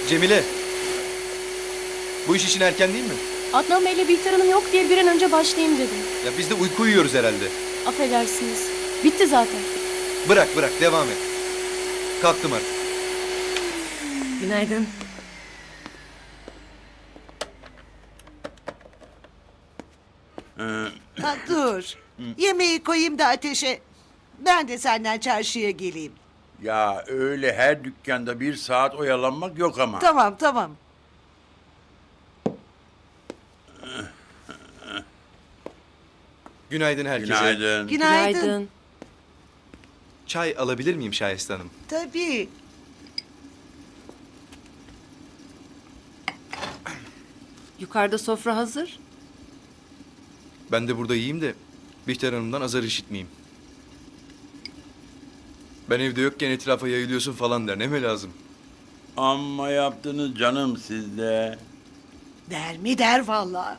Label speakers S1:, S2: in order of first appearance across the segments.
S1: Cemile. Bu iş için erken değil mi?
S2: Adnan Bey'le Bihter Hanım yok diye bir an önce başlayayım dedim.
S1: Ya biz de uyku uyuyoruz herhalde.
S2: Affedersiniz. Bitti zaten.
S1: Bırak devam et. Kalktım artık.
S3: Günaydın.
S4: Ha, dur. Yemeği koyayım da ateşe. Ben de senden çarşıya geleyim.
S5: Ya öyle her dükkanda bir saat oyalanmak yok ama.
S4: Tamam tamam.
S1: Günaydın herkese.
S5: Günaydın.
S4: Günaydın.
S1: Çay alabilir miyim Şahiste Hanım?
S4: Tabii.
S3: Yukarıda sofra hazır.
S1: Ben de burada yiyeyim de Bihter Hanım'dan azar işitmeyeyim. Ben evde yokken etrafa yayılıyorsun falan der. Ne mi lazım?
S5: Amma yaptınız canım sizde.
S4: Der mi der vallahi.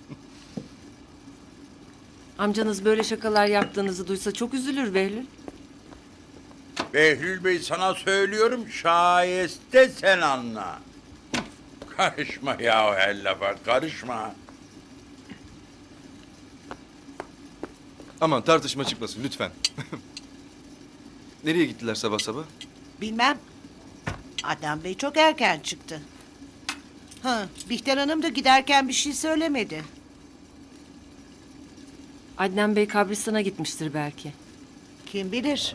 S3: Amcanız böyle şakalar yaptığınızı duysa çok üzülür Behlül.
S5: Behlül Bey sana söylüyorum şayeste sen anla. Karışma ya her lafa karışma.
S1: Aman tartışma çıkmasın lütfen. Nereye gittiler sabah sabah?
S4: Bilmem. Adnan Bey çok erken çıktı. Ha, Bihter Hanım da giderken bir şey söylemedi.
S3: Adnan Bey kabristana gitmiştir belki.
S4: Kim bilir?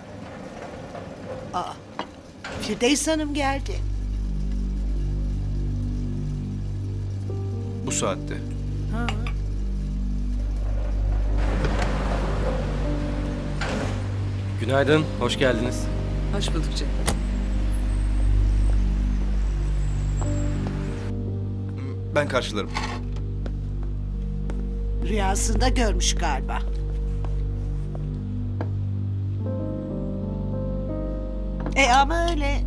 S4: Aa, Firdevs Hanım geldi.
S1: Bu saatte.
S4: Ha.
S6: Günaydın, hoş geldiniz.
S7: Hoş bulduk canım.
S1: Ben karşılarım.
S4: Rüyasında görmüş galiba. Ama öyle.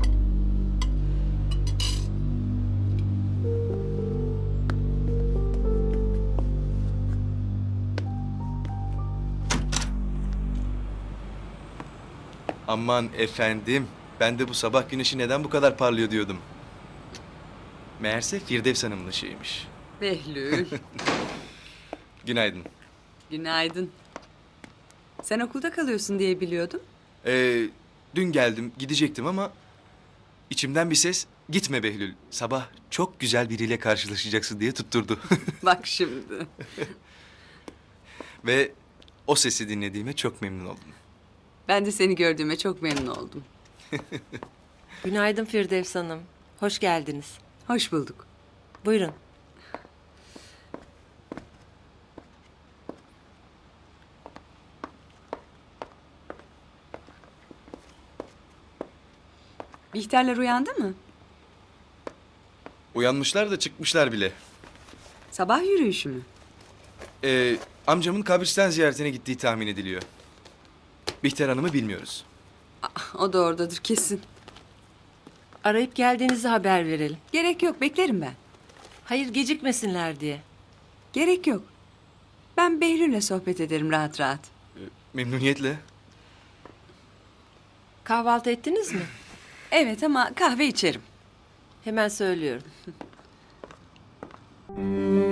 S1: Aman efendim. Ben de bu sabah güneşi neden bu kadar parlıyor diyordum. Meğerse Firdevs Hanım'ın ışığıymış.
S7: Behlül.
S1: Günaydın.
S7: Günaydın. Sen okulda kalıyorsun diye biliyordum.
S1: Dün geldim, gidecektim ama içimden bir ses gitme Behlül. Sabah çok güzel biriyle karşılaşacaksın diye tutturdu.
S7: Bak şimdi.
S1: Ve o sesi dinlediğime çok memnun oldum.
S7: Ben de seni gördüğüme çok memnun oldum.
S3: Günaydın Firdevs Hanım. Hoş geldiniz.
S7: Hoş bulduk.
S3: Buyurun.
S7: Bihterler uyandı mı?
S1: Uyanmışlar da çıkmışlar bile.
S7: Sabah yürüyüşü mü?
S1: Amcamın kabristan ziyaretine gittiği tahmin ediliyor. Bihter Hanım'ı bilmiyoruz.
S7: O da oradadır kesin.
S3: Arayıp geldiğinizi haber verelim.
S7: Gerek yok, beklerim ben.
S3: Hayır, gecikmesinler diye.
S7: Gerek yok. Ben Behlül'le sohbet ederim rahat rahat.
S1: Memnuniyetle.
S3: Kahvaltı ettiniz mi?
S7: Evet ama kahve içerim.
S3: Hemen söylüyorum.